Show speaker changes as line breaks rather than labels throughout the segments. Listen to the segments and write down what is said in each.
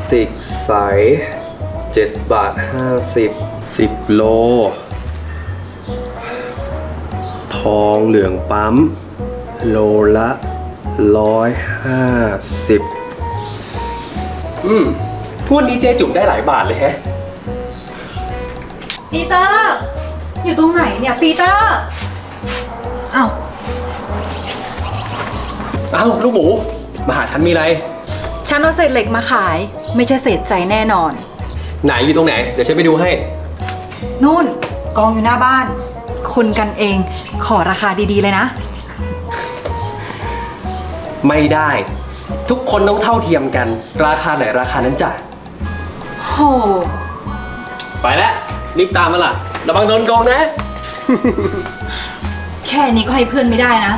ติกใส7 บาท 50 10 โลทองเหลืองปั๊มโลละ150พวกนี้เจ๊จุ๋มได้หลายบาทเลยแฮะ
ปีเตอร์อยู่ตรงไหนเนี่ยปีเตอร์อ้าว
ลูกหมูมาหาฉันมีอะไร
ฉันเอาเศษเหล็กมาขายไม่ใช่เศษใจแน่นอน
ไหนอยู่ตรงไหนเดี๋ยวฉันไปดูให้
นู่นกองอยู่หน้าบ้านคุณกันเองขอราคาดีๆเลยนะ
ไม่ได้ทุกคนต้องเท่าเทียมกันราคาไหนราคานั้นจ้ะ
โห
ไปแล้วรีบตามมาล่ะระวังโดนโกงนะ
แค่นี้ก็ให้เพื่อนไม่ได้นะ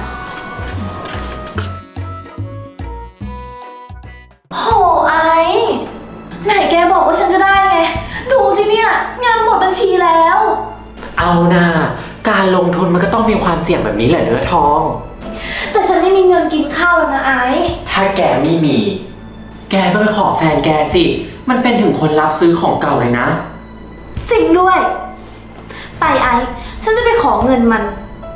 โหไอ้ไหนแกบอกว่าฉันจะได้ไงดูสิเนี่ยเงินหมดบัญชีแล้ว
เอานะการลงทุนมันก็ต้องมีความเสี่ยงแบบนี้แหละเนื้อทอง
แต่ฉันไม่มีเงินกินข้าวแล้วนะไอ้
ถ้าแกไม่มีแกก็ไปขอแฟนแกสิมันเป็นถึงคนรับซื้อของเก่าเลยนะ
จริงด้วยไปไอ้ฉันจะไปขอเงินมัน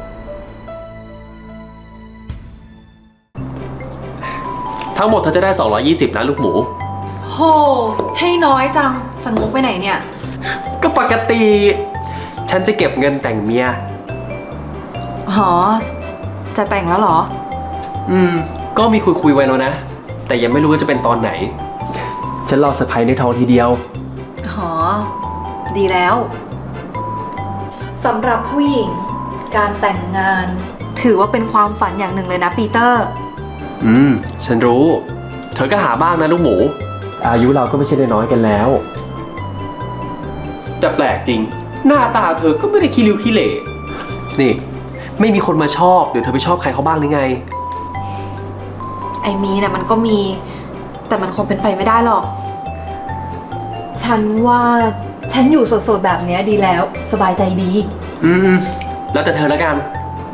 ทั้งหมดเธอจะได้220นะลูกหมู
โหให้น้อยจังจะงกไปไหนเนี่ย
ก็ปกติฉันจะเก็บเงินแต่งเมีย
หอจะแต่งแล้วเหรอ
ก็มีคุยไว้แล้วนะแต่ยังไม่รู้ว่าจะเป็นตอนไหนฉันรอเซอร์ไพรส์ในทองทีเดียว
หอดีแล้วสำหรับผู้หญิงการแต่งงานถือว่าเป็นความฝันอย่างหนึ่งเลยนะปีเตอร์
ฉันรู้เธอก็หาบ้างนะลูกหมูอายุเราก็ไม่ใช่น้อยกันแล้วแต่แปลกจริงหน้าตาเธอก็ไม่ได้ขี้ริ้วขี้เหร่นี่ไม่มีคนมาชอบเดี๋ยวเธอไปชอบใครเขาบ้างหรือไง
ไอ้มีนะมันก็มีแต่มันคงเป็นไปไม่ได้หรอกฉันว่าฉันอยู่สดๆแบบนี้ดีแล้วสบายใจดี
แล้วแต่เธอแล้วกัน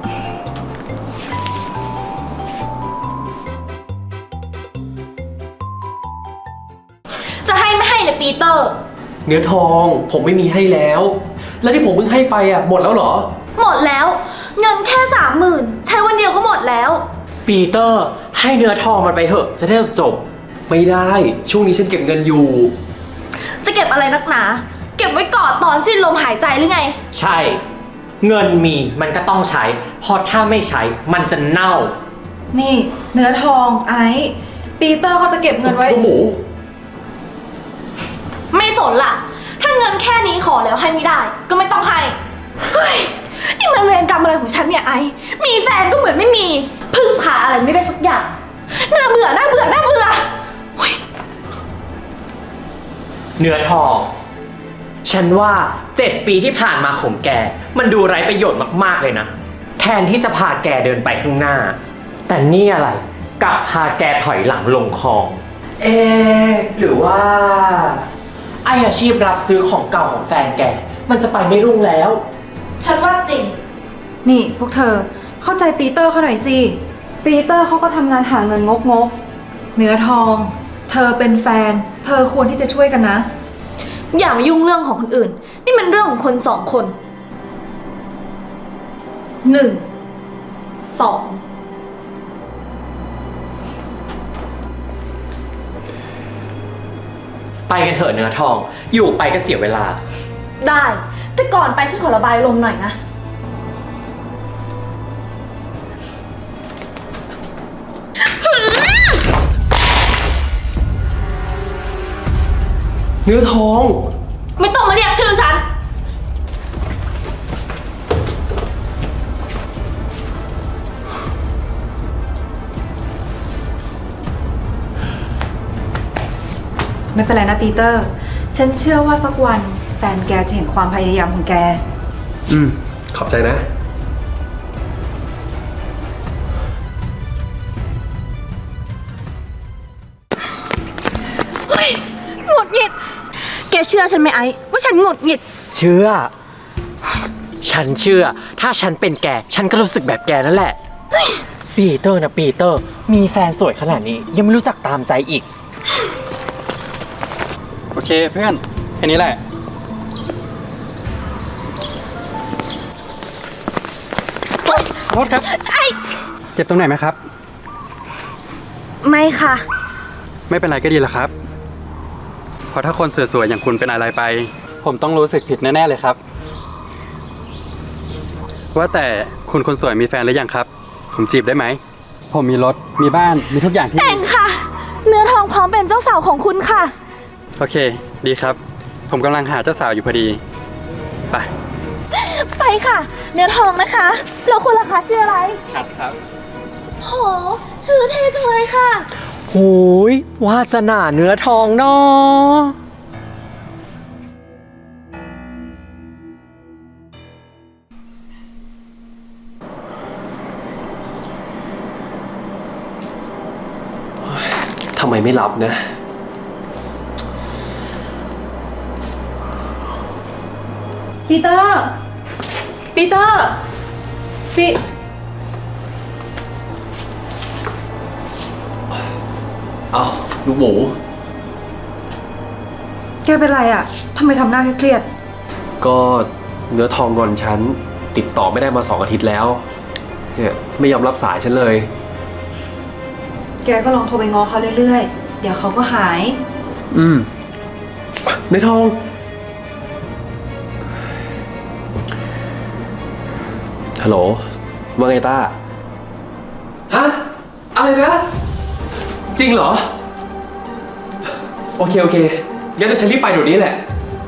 จะให้ไม่ให้เนี่ยปีเตอร์
เนื้อทองผมไม่มีให้แล้วแล้วที่ผมเพิ่งให้ไปหมดแล้วเหรอ
หมดแล้วเงินแค่30,000ใช้วันเดียวก็หมดแล้ว
ปีเตอร์ให้เนื้อทองมันไปเถอะจะได้จบ
ไม่ได้ช่วงนี้ฉันเก็บเงินอยู่
จะเก็บอะไรนักหนาเก็บไว้ก่อนตอนสิ้นลมหายใจหรือไง
ใช่เงินมีมันก็ต้องใช้เพราะถ้าไม่ใช้มันจะเน่า
นี่เนื้อทองไอ้ปีเตอร์เขาจะเก็บเงินไว้
หมู
ไม่สนล่ะถ้าเงินแค่นี้ขอแล้วให้ไม่ได้ก็ไม่ต้องให้เฮ้ยนี่มันเวรกรรมอะไรของฉันเนี่ยไอ้มีแฟนก็เหมือนไม่มีพึ่งพาอะไรไม่ได้สักอย่างน่าเบื่อน่าเบื่อน่าเบื่อ
เนื้อทองฉันว่า7 ปีที่ผ่านมาของแกมันดูไร้ประโยชน์มากๆเลยนะแทนที่จะพาแกเดินไปข้างหน้าแต่นี่อะไรกลับพาแกถอยหลังลงคลองหรือว่าไออาชีพรับซื้อของเก่าของแฟนแกมันจะไปไม่รุ่งแล้ว
ฉันว่าจริง
นี่พวกเธอเข้าใจปีเตอร์เขาหน่อยสิปีเตอร์เขาก็ทำงานหาเงินงกเนื้อทองเธอเป็นแฟนเธอควรที่จะช่วยกันนะ
อย่ามายุ่งเรื่องของคนอื่นนี่มันเรื่องของคน2 คน1 2
ไปกันเถอะเนื้อทองอยู่ไปก็เสียเวลา
ได้แต่ก่อนไปฉันขอระบายลมหน่อยนะ
เนื้อทอง
ไม่ต้องมาเรียกชื่อฉัน
ไม่เป็นไรนะปีเตอร์ฉันเชื่อว่าสักวันแฟนแกจะเห็นความพยายามของแก
ขอบใจนะ
เฮ้ยหงุดหงิดแกเชื่อฉันไหมไอ้ว่าฉันหงุดหงิด
เชื่อฉันเชื่อถ้าฉันเป็นแกฉันก็รู้สึกแบบแกนั่นแหละปีเตอร์นะปีเตอร์มีแฟนสวยขนาดนี้ยังไม่รู้จักตามใจอีก
เคเพื่อนแค่นี้แหละโทษครับเจ็บตรงไหนไหมครับ
ไม่ค่ะ
ไม่เป็นไรก็ดีแล้วครับ เพราะถ้าคนสวยๆอย่างคุณเป็นอะไรไป ผมต้องรู้สึกผิดแน่ๆเลยครับ ว่าแต่คุณคนสวยมีแฟนหรือยังครับ ผมจีบได้ไหม ผมมีรถ มีบ้าน มีทุกอย่างที่
แต่งค่ะ เนื้อทองพร้อมเป็นเจ้าสาวของคุณค่ะ
โอเค ดีครับ ผมกำลังหาเจ้าสาวอยู่พอดี ไป
ไปค่ะ เนื้อทองนะคะแล้วคุณล่ะคะชื่ออะไร
ชัดครับ
โห ชื่อเท่จังเลยค่ะ
โหยวาสนาเนื้อทองเนาะ
ทำไมไม่รับนะ
ปีเตอร์ ปีเตอร์
เอาลูกหมู
แกเป็นไรอ่ะทำไมทำหน้าเครียด
ก็เนื้อทองงอนฉันติดต่อไม่ได้มา2 อาทิตย์แล้วเนี่ยไม่ยอมรับสายฉันเลย
แกก็ลองโทรไปง้อเขาเรื่อยๆ เดี๋ยวเขาก็หาย
อืม
เนื้อทอง ฮัลโหล ว่าไงต้า ฮะ อะไรนะ จริงเหรอ โอเค โอเค งั้นเดี๋ยวฉันรีบไปเดี๋ยวนี้แหละ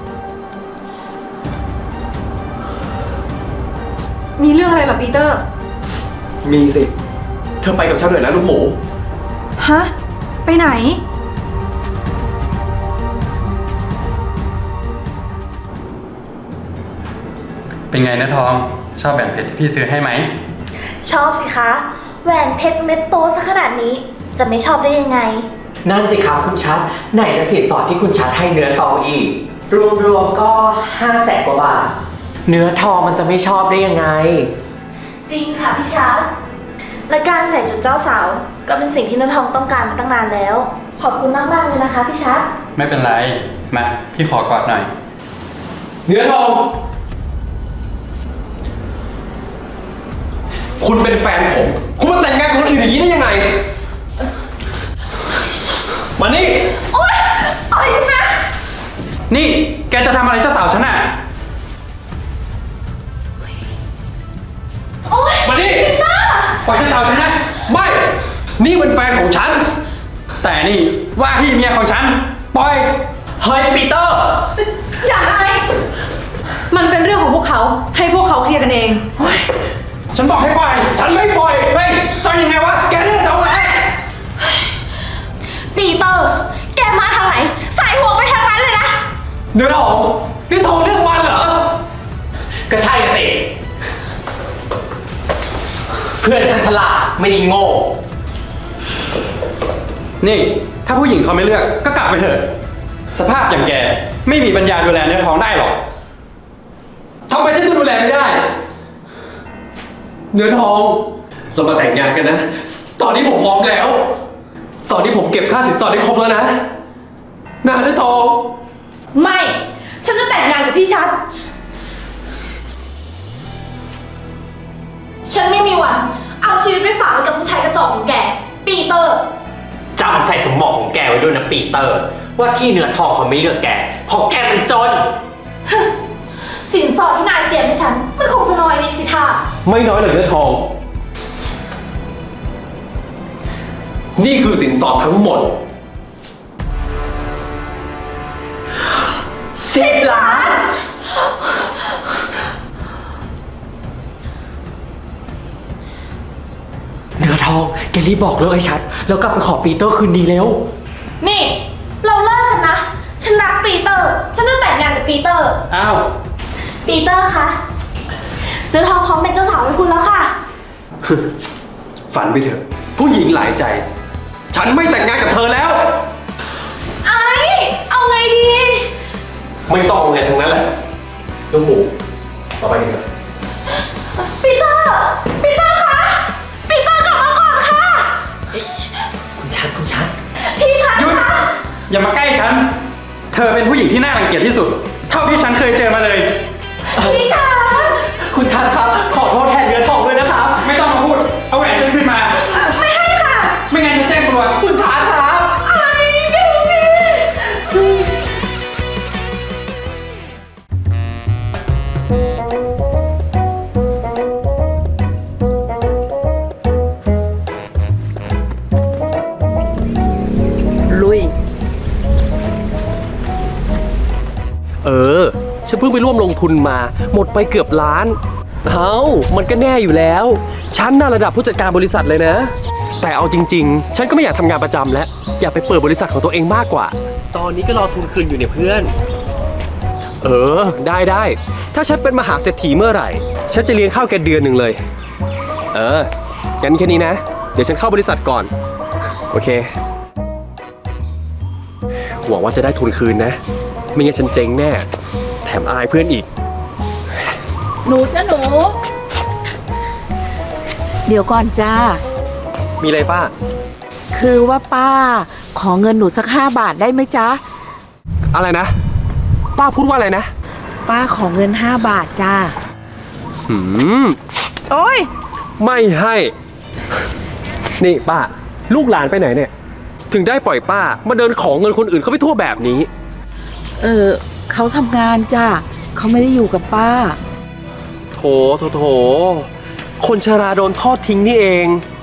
มีเรื่องอะไรเหรอปีเตอร์
มีสิ เธอไปกับฉันหน่อยนะลูกหมู
ฮะ ไปไหน
เป็นไงนะทอง ชอบแหวนเพชรที่พี่ซื้อให้ไหม
ชอบสิคะ แหวนเพชรเม็ดโตซะขนาดนี้ จะไม่ชอบได้ยังไง
นั่นสิครับคุณชัด ไหนจะสินสอดที่คุณชัดให้เนื้อทองอีก รวมๆก็500,000 กว่าบาท เนื้อทองมันจะไม่ชอบได้ยังไง
จริงค่ะพี่ชาร์ตและการใส่ชุดเจ้าสาว ก็เป็นสิ่งที่เนื้อทองต้องการมาตั้งนานแล้ว ขอบคุณมากๆเลยนะคะพี่ชาร์ต
ไม่เป็นไร มา พี่ขอกอดหน่อย
เนื้อทอง คุณเป็นแฟนผม คุณมาแต่งงานกับคนอื่นอย่างนี้ได้ยังไง มานี่
โอ๊ยปล่อยฉันนะ
นี่ แกจะทำอะไรเจ้าสาวฉันอ่ะ
โอ๊ย
มานี่ปล่อยเจ้าสาวฉันนะ ไม่ นี่เป็นแฟนของฉัน
แต่นี่ว่าที่เมียของฉัน ปล่อย
เฮ้ยปีเตอร์
อย่าไอมันเป็นเรื่องของพวกเขา ให้พวกเขาเคลียร์กันเอง
ฉันบอกให้ปล่อย ฉันไม่ปล่อย เฮ้ยจะยังไงวะ แกนี่จะเอาไง
ปีเตอร์ แกมาทางไหน ใส่หัวไปทางนั้นเลยนะ
เนื้อทอง นี่ทองเรื่องมันเหรอ
ก็ใช่สิ เพื่อนฉันฉลาดไม่ได้โง่
นี่ ถ้าผู้หญิงเขาไม่เลือก ก็กลับไปเถอะ สภาพอย่างแก ไม่มีปัญญาดูแลเนื้อท้องได้หรอก
ทำไมฉันจะดูแลไม่ได้ เนื้อทอง เรามาแต่งงานกันนะ ตอนนี้ผมพร้อมแล้ว ตอนนี้ผมเก็บค่าสินสอดได้ครบแล้วนะเนื้อทอง
ไม่ ฉันจะแต่งงานกับพี่ชัด ฉันไม่มีวัน เอาชีวิตไปฝากไว้กับผู้ชายกระจอกของแก ปีเตอร์
จำใส่สมองของแกไว้ด้วยนะปีเตอร์ ว่าที่เนื้อทองเขาไม่เลือกแกเพราะแกเป็นจน
สินสอดที่นายเตรียมให้ฉัน มันคงจะน้อยนิดสิท่า
ไม่น้อยเลยเนื้อทอง นี่คือสินสอดทั้งหมด
10 ล้าน เนื้อทองแกรีบบอกเลิกไอ้ชัด แล้วกลับไปขอปีเตอร์คืนดีเร็ว
นี่ เราเลิกกันนะ ฉันรักปีเตอร์ ฉันจะแต่งงานกับปีเตอร์
อ้าว
ปีเตอร์คะเดือนทองพร้อมเป็นเจ้าสาวให้คุณแล้วค่ะ
ฝันไปเถอะ ผู้หญิงหลายใจ ฉันไม่แต่งงานกับเธอแล้ว
ไอ้ เอาไงดี
ไม่ต้องไงทั้งนั้นแหละลูกหมูต่อไปกันเถอะ
ปีเตอร์ ปีเตอร์คะ ปีเตอร์กลับมาก่อนค่ะ
คุณชัด
พี่ชัด
หยุด
คะ
อย่ามาใกล้ฉัน เธอเป็นผู้หญิงที่น่ารังเกียจที่สุด เท่าที่ฉันเคยเจอมาเลย
พี่ชา
คุณชัดครับ ขอโทษแทนเนื้อทองด้วยนะครับ
ไม่ต้องมาพูด เอาแหวนฉันขึ้นมา
ไม่ให้ค่ะ
ไม่งั้นฉันแจ้งตำรวจ
คุณชัดครับ
ไอ้เดี๋ยวสิ
ลุย
ฉันเพิ่งไปร่วมลงทุนมา หมดไปเกือบล้านมันก็แน่อยู่แล้ว ฉันน่าระดับผู้จัดการบริษัทเลยนะ แต่เอาจริงๆ ฉันก็ไม่อยากทำงานประจำแล้ว อยากไปเปิดบริษัทของตัวเองมากกว่า ตอนนี้ก็รอทุนคืนอยู่เนี่ยเพื่อน ได้ ถ้าฉันเป็นมหาเศรษฐีเมื่อไหร่ ฉันจะเลี้ยงข้าวแกเดือนหนึ่งเลย งั้นแค่นี้นะ เดี๋ยวฉันเข้าบริษัทก่อน โอเค หวังว่าจะได้ทุนคืนนะ ไม่งั้นฉันเจ๊งแน่ แถมอายเพื่อนอีก
หนูจ้ะหนู เดี๋ยวก่อนจ้า
มีอะไรป้า
คือว่าป้า ขอเงินหนูสัก5 บาทได้ไหมจ๊ะ
อะไรนะ ป้าพูดว่าอะไรนะ
ป้าขอเงิน5 บาทจ้า โอ้ย
ไม่ให้ นี่ป้า ลูกหลานไปไหนเนี่ย ถึงได้ปล่อยป้ามาเดินของเงินคนอื่นเขาไปทั่วแบบนี้
เขาทำงานจ้าเขาไม่ได้อยู่กับป้า
โถ คนชราโดนทอดทิ้งนี่เอง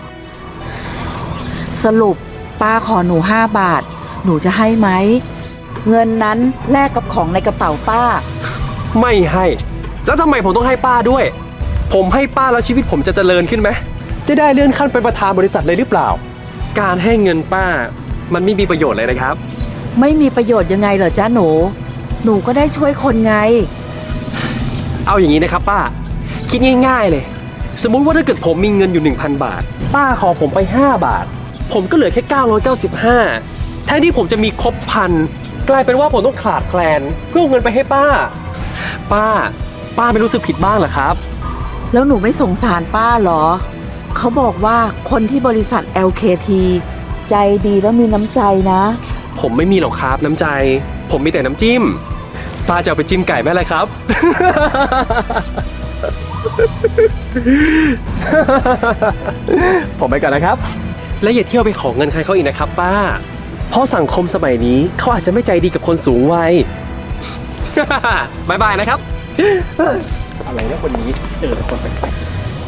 สรุปป้าขอหนู5 บาท หนูจะให้ไหม เงินนั้นแลกกับของในกระเป๋าป้า
ไม่ให้ แล้วทำไมผมต้องให้ป้าด้วย ผมให้ป้าแล้วชีวิตผมจะเจริญขึ้นไหม จะได้เลื่อนขั้นเป็นประธานบริษัทเลยหรือเปล่า การให้เงินป้า มันไม่มีประโยชน์เลยนะครับ
ไม่มีประโยชน์ยังไงเหรอจ้าหนู หนูก็ได้ช่วยคนไง
เอาอย่างนี้นะครับป้า คิดง่ายๆเลย สมมุติว่าถ้าเกิดผมมีเงินอยู่ 1,000 บาท ป้าขอผมไป5 บาท ผมก็เหลือแค่995แทนที่ผมจะมีครบ1,000 กลายเป็นว่าผมต้องขาดแคลนเพื่อเอาเงินไปให้ป้า ป้าไม่รู้สึกผิดบ้างเหรอครับ
แล้วหนูไม่สงสารป้าเหรอ เขาบอกว่าคนที่บริษัท LKT ใจดีแล้วมีน้ำใจนะ
ผมไม่มีหรอกครับน้ำใจ ผมมีแต่น้ำจิ้ม ป้าจะเอาไปจิ้มไก่ไหมล่ะครับ ผมไปก่อนนะครับ และอย่าเที่ยวไปขอเงินใครเขาอีกนะครับป้า เพราะสังคมสมัยนี้เขาอาจจะไม่ใจดีกับคนสูงวัย บายบายนะครับ อะไรนะคนนี้คนแปลก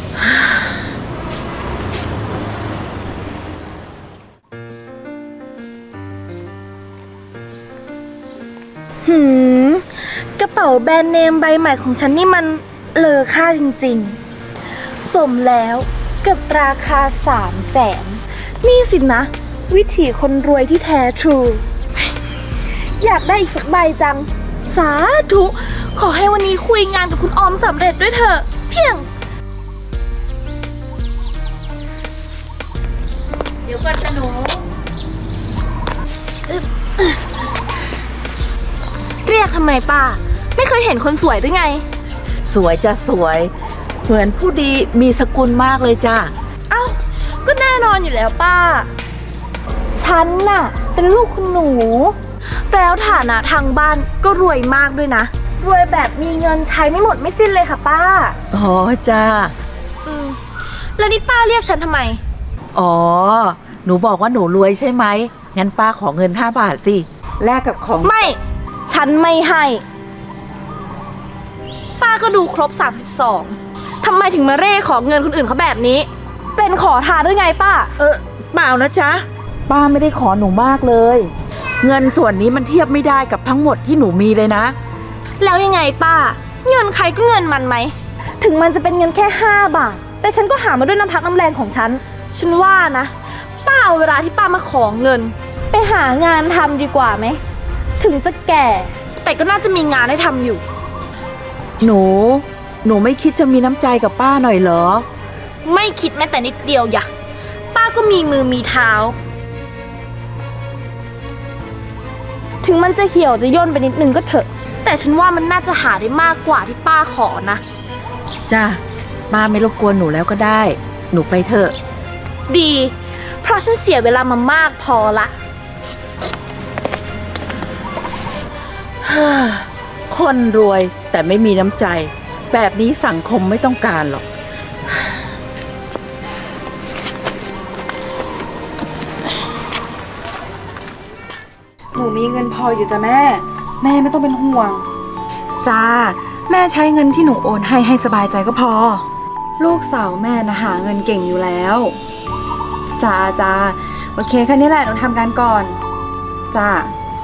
กระเป๋าแบรนด์เนมใบใหม่ของฉันนี่มันเลอค่าจริงๆ สมแล้วกับราคา300,000นี่สินะ วิถีคนรวยที่แท้ทรู อยากได้อีกสักใบจัง สาธุ ขอให้วันนี้คุยงานกับคุณออมสำเร็จด้วยเถอะ เพียง
เดี๋ยวก่อนจ้ะหนู
เรียกทำไมป้า ไม่เคยเห็นคนสวยหรือไง
สวยจะสวย เหมือนผู้ดีมีสกุลมากเลยจ้า
เอ้า ก็แน่นอนอยู่แล้วป้า ฉันน่ะ เป็นลูกคุณหนู แล้วฐานะทางบ้านก็รวยมากด้วยนะ รวยแบบมีเงินใช้ไม่หมดไม่สิ้นเลยค่ะป้า
อ๋อจ้า
แล้วนี่ป้าเรียกฉันทำไม
อ๋อ หนูบอกว่าหนูรวยใช่ไหม งั้นป้าขอเงิน5 บาทสิ แลกกับของ
ไม่ ฉันไม่ให้ ป้าก็ดูครบ32ทำไมถึงมาเร่ขอเงินคนอื่นเขาแบบนี้ เป็นขอทานหรือไงป้า
เปล่านะจ๊ะ ป้าไม่ได้ขอหนูมากเลย เงินส่วนนี้มันเทียบไม่ได้กับทั้งหมดที่หนูมีเลยนะ
แล้วยังไงป้า เงินใครก็เงินมันไหม ถึงมันจะเป็นเงินแค่5 บาท แต่ฉันก็หามาด้วยน้ำพักน้ำแรงของฉัน ฉันว่านะ ป้าเอาเวลาที่ป้ามาขอเงิน ไปหางานทำดีกว่าไหม ถึงจะแก่ แต่ก็น่าจะมีงานให้ทำอยู่
หนูไม่คิดจะมีน้ำใจกับป้าหน่อยเหรอ
ไม่คิดแม้แต่นิดเดียวอย่ะป้าก็มีมือมีเท้า ถึงมันจะเหี่ยวจะย่นไปนิดนึงก็เถอะ แต่ฉันว่ามันน่าจะหาได้มากกว่าที่ป้าขอนะ
จ้า ป้าไม่รบกวนหนูแล้วก็ได้ หนูไปเถอะ
ดี เพราะฉันเสียเวลามามากพอละ
คนรวยแต่ไม่มีน้ำใจ แบบนี้สังคมไม่ต้องการหรอก
หนูมีเงินพออยู่จ้ะแม่ แม่ไม่ต้องเป็นห่วง จ้า แม่ใช้เงินที่หนูโอนให้สบายใจก็พอ ลูกสาวแม่นะหาเงินเก่งอยู่แล้ว จ้าโอเคแค่นี้แหละหนูทำงานก่อน จ้า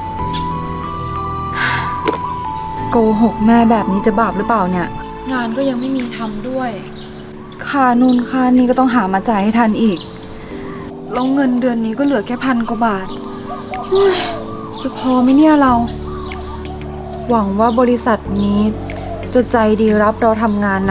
โกหกแม่แบบนี้จะบาปหรือเปล่าเนี่ย งานก็ยังไม่มีทำด้วย ค่านู่นค่านี่ก็ต้องหามาจ่ายให้ทันอีก แล้วเงินเดือนนี้ก็เหลือแค่1,000 กว่าบาทเฮ้ยจะพอไหมเนี่ยเรา หวังว่าบริษัทนี้จะใจดีรับเราทำงานนะ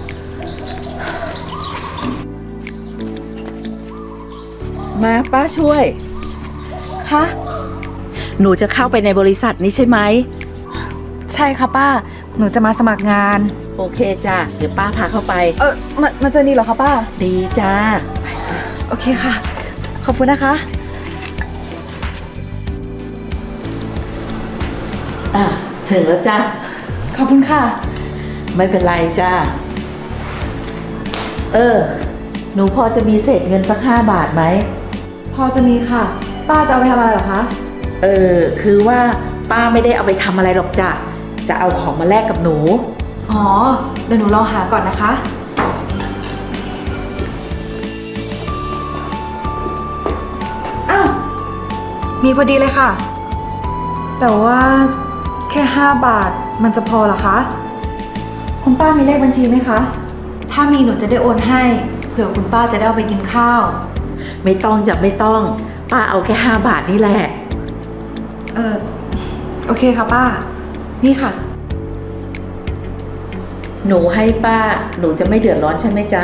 มาป้าช่วย
คะ
หนูจะเข้าไปในบริษัทนี้ใช่ไหม
ใช่ค่ะป้า หนูจะมาสมัครงาน
โอเคจ้ะ เดี๋ยวป้าพาเข้าไป
มันจะดีเหรอคะป้า
ดีจ้า
โอเคค่ะ ขอบคุณนะคะ
อ่ะ ถึงแล้วจ้ะ
ขอบคุณค่ะ
ไม่เป็นไรจ้า หนูพอจะมีเศษเงินสัก5 บาทไหม
พอจะมีค่ะ ป้าจะเอาไปทำอะไรเหรอคะ
คือว่าป้าไม่ได้เอาไปทำอะไรหรอกจ้ะ จะเอาของมาแลกกับหนู
อ๋อ เดี๋ยวหนูลองหาก่อนนะคะ อ้าว มีพอดีเลยค่ะ แต่ว่าแค่5 บาทมันจะพอเหรอคะ คุณป้ามีเลขบัญชีไหมคะ ถ้ามีหนูจะได้โอนให้ เผื่อคุณป้าจะได้เอาไปกินข้าว
ไม่ต้องจ้ะไม่ต้อง ป้าเอาแค่5 บาทนี่แหละ
โอเคค่ะป้า นี่ค่ะ
หนูให้ป้า หนูจะไม่เดือดร้อนใช่ไหมจ๊ะ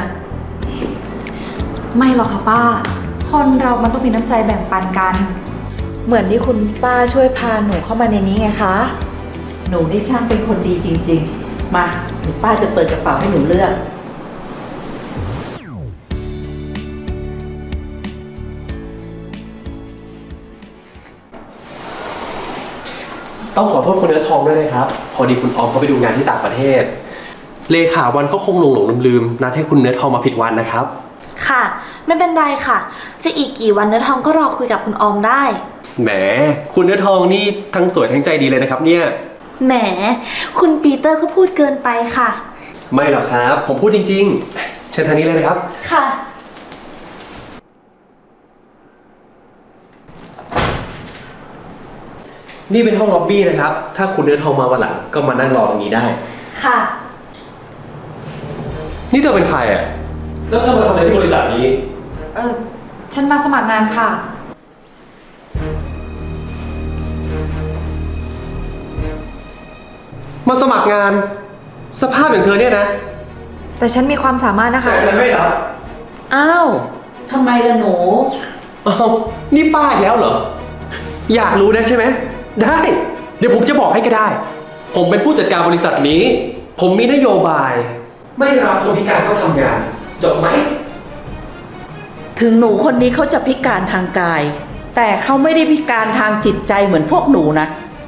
ไม่หรอกค่ะป้า คนเรามันต้องมีน้ำใจแบ่งปันกัน เหมือนที่คุณป้าช่วยพาหนูเข้ามาในนี้ไงคะ
หนูนี่ช่างเป็นคนดีจริงๆ มาเดี๋ยวป้าจะเปิดกระเป๋าให้หนูเลือก
ต้องขอโทษคุณเนื้อทองด้วยนะครับ พอดีคุณออมเขาไปดูงานที่ต่างประเทศ เลขาวันเขาคงหลงลืมนัดให้คุณเนื้อทองมาผิดวันนะครับ
ค่ะ ไม่เป็นไรค่ะ จะอีกกี่วันเนื้อทองก็รอคุยกับคุณออมได้
แหม คุณเนื้อทองนี่ทั้งสวยทั้งใจดีเลยนะครับเนี่ย
แหม คุณปีเตอร์ก็พูดเกินไปค่ะ
ไม่หรอกครับ ผมพูดจริงๆ เชิญทางนี้เลยนะครับ
ค่ะ
นี่เป็นห้องล็อบบี้นะครับ ถ้าคุณเนื้อทองมาวันหลังก็มานั่งรอตรงนี้ได้
ค่ะ
นี่เธอเป็นใครอ่ะ แล้วเธอมาทำอะไรที่บริษัทนี้
ฉันมาสมัครงานค่ะ
มาสมัครงาน สภาพอย่างเธอเนี่ยนะ
แต่ฉันมีความสามารถนะคะ
แต่ฉันไม่รับ
อ้าวทำไมล่ะหนู
อ้าวนี่ป้าอีกแล้วเหรอ อยากรู้นะใช่ไหม ได้ เดี๋ยวผมจะบอกให้ก็ได้ ผมเป็นผู้จัดการบริษัทนี้ ผมมีนโยบาย ไม่รับคนพิการเข้าทำงาน จบไหม
ถึงหนูคนนี้เขาจะพิการทางกาย แต่เขาไม่ได้พิการทางจิตใจเหมือนพวกหนูนะ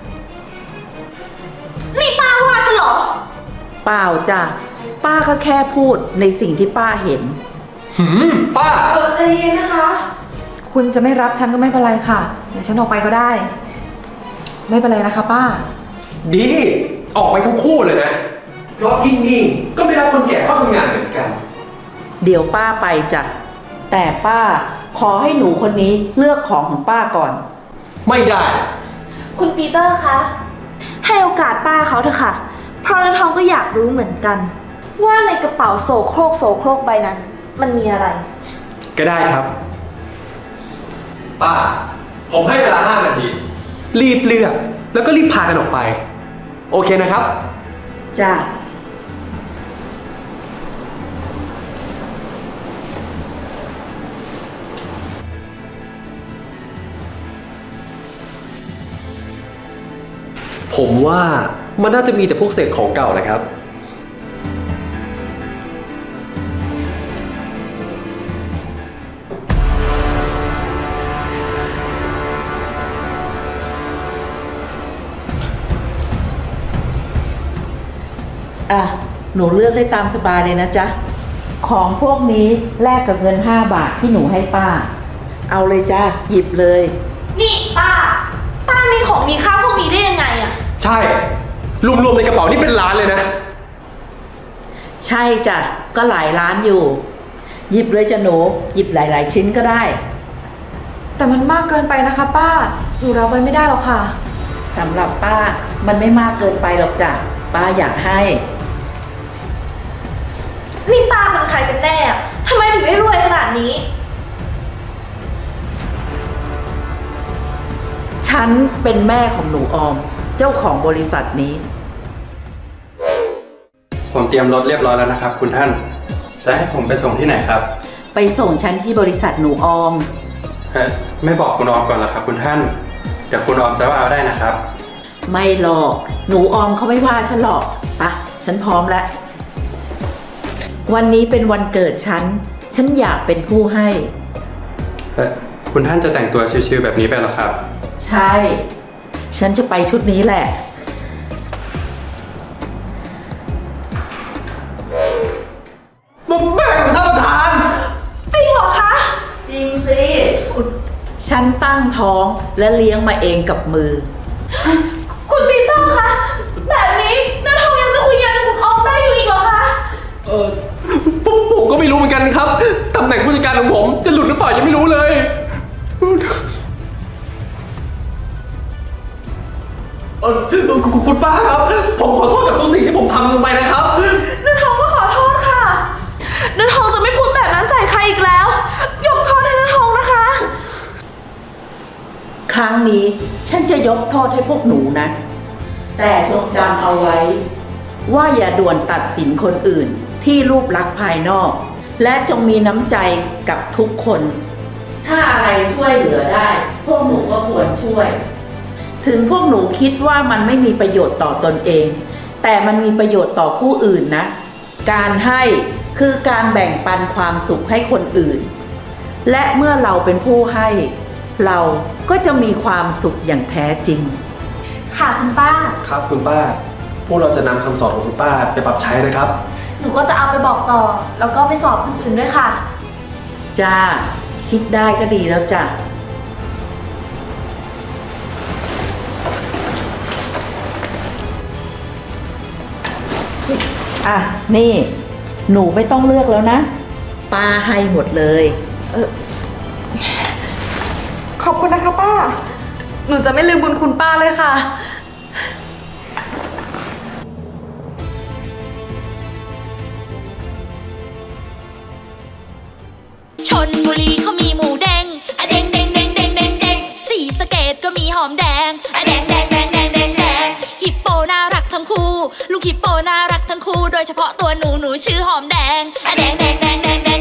นี่ป้าว่าฉันเหรอ
เปล่าจ้ะ ป้าก็แค่พูดในสิ่งที่ป้าเห็น
ป้า
ใจเย็นนะคะ คุณจะไม่รับฉันก็ไม่เป็นไรค่ะ เดี๋ยวฉันออกไปก็ได้ ไม่เป็นไรนะคะป้า
ดี ออกไปทั้งคู่เลยนะ เพราะที่นี่ก็ไม่รับคนแก่เข้าทำงานเหมือนกัน
เดี๋ยวป้าไปจ้ะ แต่ป้าขอให้หนูคนนี้เลือกของของป้าก่อน
ไม่ได้
คุณปีเตอร์คะ ให้โอกาสป้าเขาเถอะค่ะ เพราะเนื้อทองก็อยากรู้เหมือนกัน ว่าในกระเป๋าโสโครกใบนั้น มันมีอะไร
ก็ได้ครับ ป้า ผมให้เวลา 5 นาที รีบเลือก แล้วก็รีบพากันออกไป โอเคนะครับ
จ้ะ
ผมว่ามันน่าจะมีแต่พวกเศษของเก่าแหละครับ
อ่ะ หนูเลือกได้ตามสบายเลยนะจ๊ะ ของพวกนี้แลกกับเงิน5 บาทที่หนูให้ป้า เอาเลยจ้ะ หยิบเลย
นี่ป้ามีของมีค่าพวกนี้ได้ยังไงอะ
ใช่ รวมๆในกระเป๋านี่เป็นล้านเลยนะ
ใช่จ้ะ ก็หลายร้านอยู่ หยิบเลยจ้ะหนู หยิบหลาย ๆ ชิ้นก็ได้
แต่มันมากเกินไปนะคะป้า หนูรับไว้ไม่ได้หรอกค่ะ
สำหรับป้ามันไม่มากเกินไปหรอกจ้ะ ป้าอยากให้
นี่ป้าเป็นใครกันแน่อะทำไมถึงได้รวยขนาดนี้
ฉันเป็นแม่ของหนูออม เจ้าของบริษัทนี้
ผมเตรียมรถเรียบร้อยแล้วนะครับ คุณท่าน จะให้ผมไปส่งที่ไหนครับ
ไปส่งฉันที่บริษัทหนูออม
ไม่บอกคุณออมก่อนเหรอครับ คุณท่าน เดี๋ยวคุณออมจะว่าเอาได้นะครับ
ไม่หรอก หนูออมเขาไม่ว่าฉันหรอกปะฉันพร้อมแล้ว วันนี้เป็นวันเกิดฉันอยากเป็นผู้ให้
คุณท่านจะแต่งตัวชิวๆแบบนี้ไปเหรอครับ
ใช่ ฉันจะไปชุดนี้แหละ
แม่ของท่านประธาน
จริงเหรอคะ
จริงสิ ฉันตั้งท้องและเลี้ยงมาเองกับมือ
คุณปีเตอร์คะ แบบนี้น้าทองยังจะคุยงานกับคุณออมได้อยู่อีกเหรอคะ
ผมก็ไม่รู้เหมือนกันครับ ตำแหน่งผู้จัดการของผมจะหลุดหรือเปล่ายังไม่รู้เลย คุณป้าครับ ผมขอโทษกับทุกสิ่งที่ผมทำลงไปนะครับ
น้าทองก็ขอโทษค่ะน้าทองจะไม่พูดแบบนั้นใส่ใครอีกแล้ว ยกโทษให้น้าทองนะคะ
ครั้งนี้ฉันจะยกโทษให้พวกหนูนะ แต่จงจำเอาไว้ ว่าอย่าด่วนตัดสินคนอื่นที่รูปลักษณ์ภายนอก และจงมีน้ำใจกับทุกคน ถ้าอะไรช่วยเหลือได้ พวกหนูก็ควรช่วย ถึงพวกหนูคิดว่ามันไม่มีประโยชน์ต่อตนเอง แต่มันมีประโยชน์ต่อผู้อื่นนะ การให้คือการแบ่งปันความสุขให้คนอื่น และเมื่อเราเป็นผู้ให้ เราก็จะมีความสุขอย่างแท้จริง
ค่ะคุณป้า
ครับคุณป้า พวกเราจะนำคำสอนของคุณป้าไปปรับใช้นะครับ
หนูก็จะเอาไปบอกต่อ แล้วก็ไปสอบคนอื่นด้วยค่ะ
จ้า คิดได้ก็ดีแล้วจ้ะ อ่ะ นี่ หนูไม่ต้องเลือกแล้วนะ ป้าให้หมดเลย
ขอบคุณนะคะป้า หนูจะไม่ลืมบุญคุณป้าเลยค่ะ
ชนบุรีเขามีหมูแดงอะแดงแดงแดงแดงแดงแดงสีสะเกตก็มีหอมแดงอะแดงแดงแดงแดงแดงแดงฮิปโปน่ารักทั้งคู่ลูกฮิปโปน่ารักทั้งคู่โดยเฉพาะตัวหนูชื่อหอมแดงอะแดงแดงแดงแดงแด